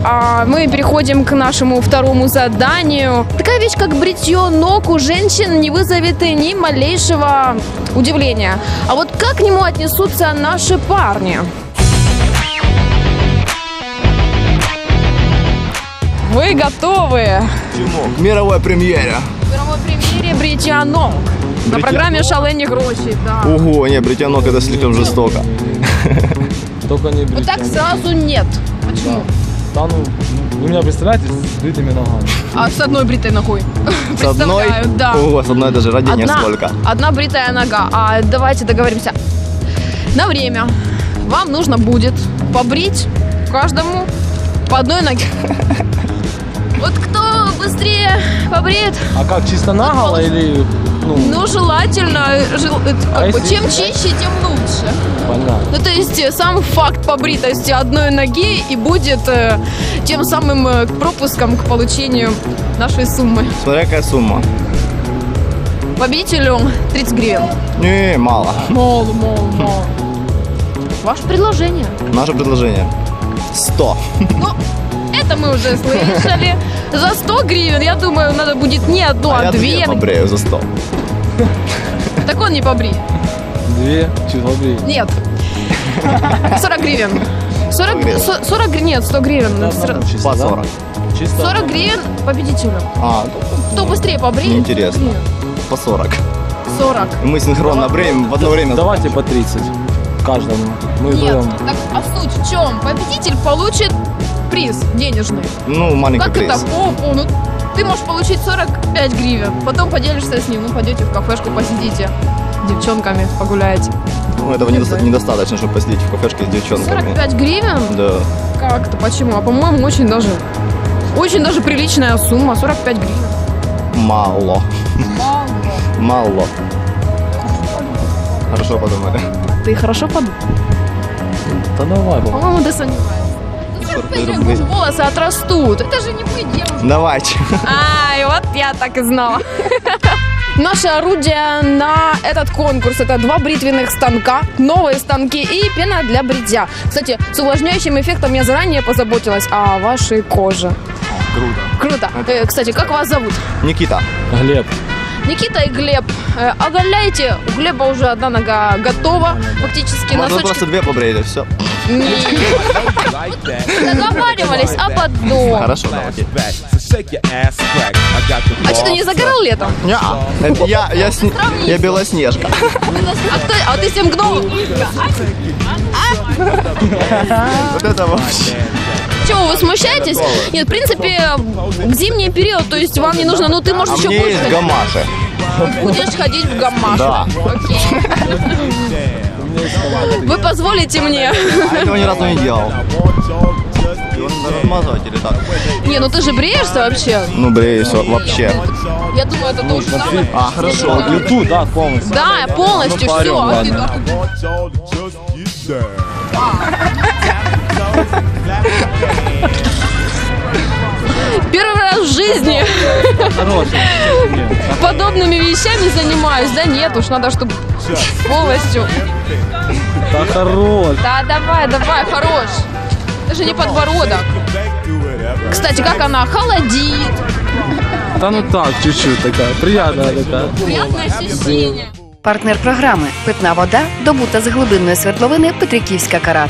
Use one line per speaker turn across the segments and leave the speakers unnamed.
А мы переходим к нашему второму заданию. Такая вещь, как бритье ног у женщин, не вызовет ни малейшего удивления. А вот как к нему отнесутся наши парни? Вы готовы?
К мировой премьере.
К мировой премьере бритья ног. На программе «Шалені гроші», да.
Ого, не, бритье ног это слишком жестоко.
Только не бритье.
Вот так сразу нет. Почему?
Да, ну, вы меня представляете с бритыми ногами?
А с одной бритой ногой?
С одной?
Представляю, да.
Ого, с одной даже родения сколько.
Одна бритая нога. А давайте договоримся. На время вам нужно будет побрить каждому по одной ноге. Вот кто быстрее побреет?
А как, чисто наголо или...
Ну, желательно. Чем чище, тем лучше.
Понятно.
Ну, то есть сам факт побритости одной ноги и будет тем самым пропуском к получению нашей суммы.
Смотря какая сумма.
Победителю 30 гривен.
Не, мало.
Мало. Ваше предложение?
Наше предложение 100.
Ну, это мы уже слышали. За 100 гривен, я думаю, надо будет не одну, а
я
две.
Я побрею за 100.
Так он не побри.
Две? Чуть побри.
Нет. 40 гривен. 40 гривен, нет, 100 гривен.
По 40.
40 гривен победителю. Кто быстрее побреет?
Неинтересно. По 40.
40.
Мы синхронно бреем в одно время.
Давайте по 30 каждому. Мы
Нет,
вдвоем.
так, а суть в чем? Победитель получит приз денежный.
Ну, маленький
как
приз.
Это? Ну, ты можешь получить 45 гривен. Потом поделишься с ним. Ну, пойдете в кафешку, посидите. С девчонками погуляете.
Ну, этого недостаточно, чтобы посидеть в кафешке с девчонками.
45 гривен?
Да.
Как-то, почему? А по-моему, очень даже приличная сумма. 45 гривен.
Мало. Хорошо подумали.
Ты хорошо подумал?
Да давай, папа.
По-моему, ты сомневаешься. 45 гривен, может, волосы отрастут. Это же не вы, девушка.
Давайте.
Ай, вот я так и знала. Наше орудие на этот конкурс — это 2 бритвенных станка, новые станки и пена для бритья. Кстати, с увлажняющим эффектом я заранее позаботилась о вашей коже. Круто. Кстати, как вас зовут?
Никита.
Глеб.
Никита и Глеб. Оголяйте. У Глеба уже одна нога готова. Фактически
Можно
носочки.
просто 2 побреять, и все.
Договаривались об одном.
Хорошо, давайте.
А что, ты не загорал летом?
Это я Белоснежка.
А ты 7 гномов?
Вот это вообще.
Чего, вы смущаетесь? Нет, в принципе, в зимний период, то есть вам не нужно, ну ты можешь еще
мне
больше
есть
ходить.
гамаши.
Будешь ходить в гамаше.
Да.
Окей. Вы позволите мне?
Я этого ни разу не делал. Его надо размазывать или так?
Не, ну ты же бреешься вообще?
Ну, бреюсь вообще.
Я думаю, это то же самое.
А, хорошо.
YouTube, да, полностью.
Да, полностью
Ну,
все.
парень,
Первый раз в жизни подобными вещами занимаюсь. Да нет, уж надо, чтобы полностью.
Да хорош.
Да, давай, хорош. Это же не подбородок. Кстати, как она? Холодит.
Да ну так, чуть-чуть такая, приятная такая.
Приятное ощущение.
Партнер програми «Питна вода», добута з глибинної свердловини Петриківська Карат.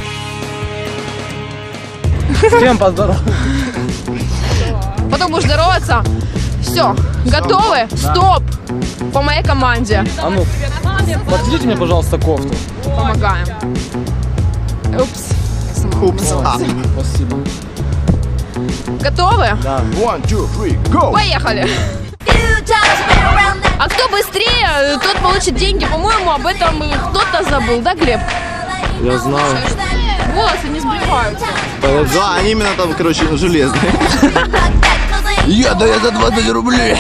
С кем поздороваться?
Потом будешь здороваться. Все, готовы? Стоп! По моей команде.
А ну, подведите мне, пожалуйста, кофту.
Помогаем. Упс.
Упс.
Спасибо.
Готовы?
Да.
1, 2, 3, go!
Поехали! А кто быстрее, тот получит деньги. По-моему, об этом кто-то забыл, да, Глеб?
Я знаю.
Волосы не сбриваются.
Да, они именно там, короче, железные. Я за 20 рублей.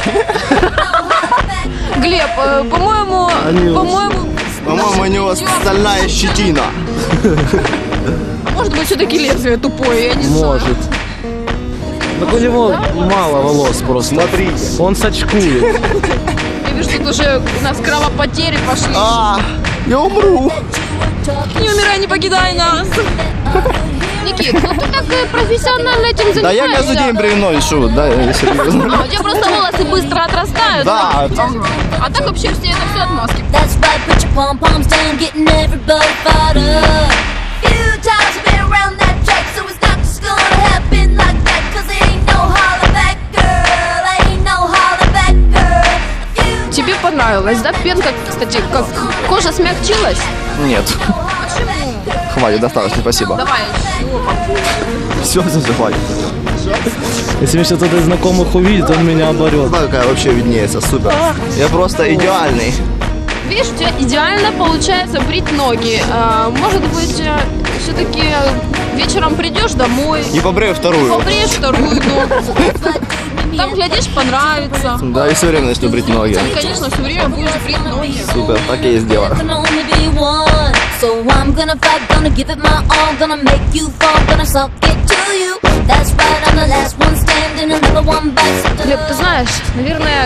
Глеб, по-моему,
По-моему, у него стальная щетина.
может быть, все-таки лезвие тупое, я не знаю.
Может. Так у него мало волос просто.
Смотрите.
Он сачкует.
Я вижу, тут уже у нас кровопотери пошли.
Я умру.
Не умирай, не покидай нас. Никит, ну ты так профессионально этим занимаешься.
Да я каждый день бревно ищу, да, я серьезно.
А у тебя просто волосы быстро отрастают.
Да.
Ага. А так вообще все это все отмазки.
That's right, put your pom-poms down, getting everybody fired up. Few times I've been around that track, so it's not just gonna happen like that. Cause it ain't no holler back, girl, ain't no holler back, girl.
Тебе понравилось, да, пенка, кстати, как кожа смягчилась?
Нет. Хватит, достаточно, спасибо.
Давай.
Все, хватит.
Если меня кто-то из знакомых увидит, он меня оборет.
Знаю, какая вообще виднеется, супер. Я просто идеальный.
Видишь, у тебя идеально получается брить ноги. Может быть, все-таки вечером придешь домой,
И побрею вторую.
побреешь вторую ногу. Там, глядишь, понравится.
Да, и все время начну брить ноги.
И, конечно, все время будешь брить ноги.
Супер, так я и сделаю.
There can only be one. So I'm gonna fight, gonna give it my all, gonna make you fall, gonna suck it to you. That's right, I'm the last one standing, another one bites.
Глеб, ты знаешь, наверное,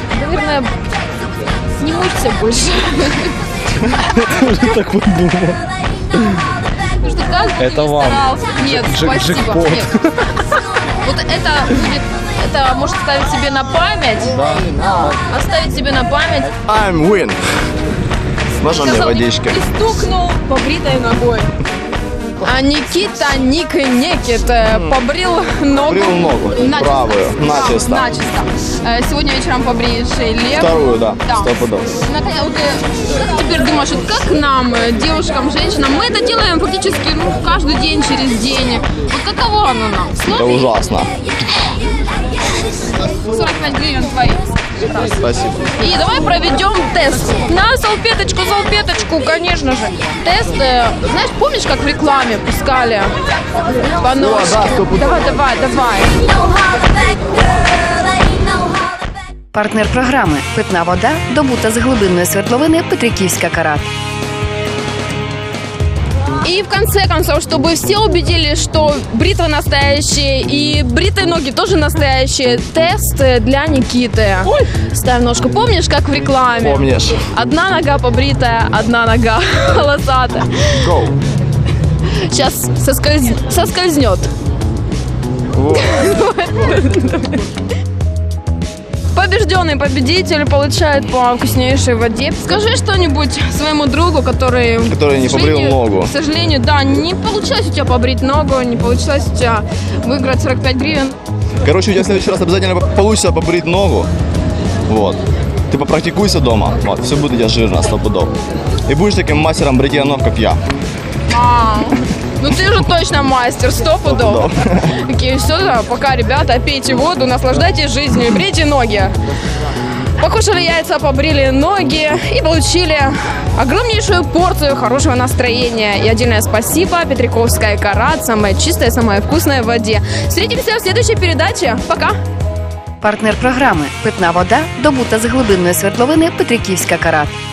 не мучься больше.
Так вот думал.
Потому что каждый
Это
день
вам.
старался. Нет, спасибо.
Джекпот.
Нет. Вот это будет, это может ставить себе на память. Да. Оставить себе на память.
I'm win. Можно мне водички?
И стукнул побритой ногой. А Никита Никит побрил ногу.
Побрил ногу, правую, начисто.
Начисто. Сегодня вечером побреешь и левую.
Вторую, да,
Да.
100%.
Наконец, вот ты как теперь думаешь, вот как нам, девушкам, женщинам, мы это делаем фактически каждый день, через день. Вот каково оно нам?
Это
Сложно?
ужасно.
45 гривен твои.
Спасибо.
И давай проведем тест. На салфеточку, конечно же. Тест, знаешь, помнишь, как в рекламе пускали по ножке?
да, стопудово.
Давай.
Ain't no holler back, girl, ain't no holler back.
Партнер програми «Питна вода», добута з глибинної свердловини Петриківська Карат.
И в конце концов, чтобы все убедились, что бритвы настоящие и бритые ноги тоже настоящие, тест для Никиты. Ставь ножку. Помнишь, как в рекламе?
Помнишь?
Одна нога побритая, одна нога волосатая.
Go.
Сейчас соскользнет.
Вот.
Побежденный победитель получает по вкуснейшей воде. Скажи что-нибудь своему другу, который
Который не
к сожалению,
побрил ногу.
К сожалению, да, не получилось у тебя побрить ногу, не получилось у тебя выиграть 45 гривен.
Короче, у тебя в следующий раз обязательно получится побрить ногу. Вот. Ты попрактикуйся дома. Вот, все будет у тебя жирно, 100 пудов. И будешь таким мастером бритья ног, как я.
Ну ты же точно мастер, 100 пудов. Такие, все, да, пока, ребята, пейте воду, наслаждайтесь жизнью и брейте ноги. Покушали яйца, побрили ноги и получили огромнейшую порцию хорошего настроения. И отдельное спасибо Петриковская Карат, самая чистая, самая вкусная в воде. Встретимся в следующей передаче. Пока!
Партнер програми «Питна вода», добута з глибинної свердловини Петриківська Карат.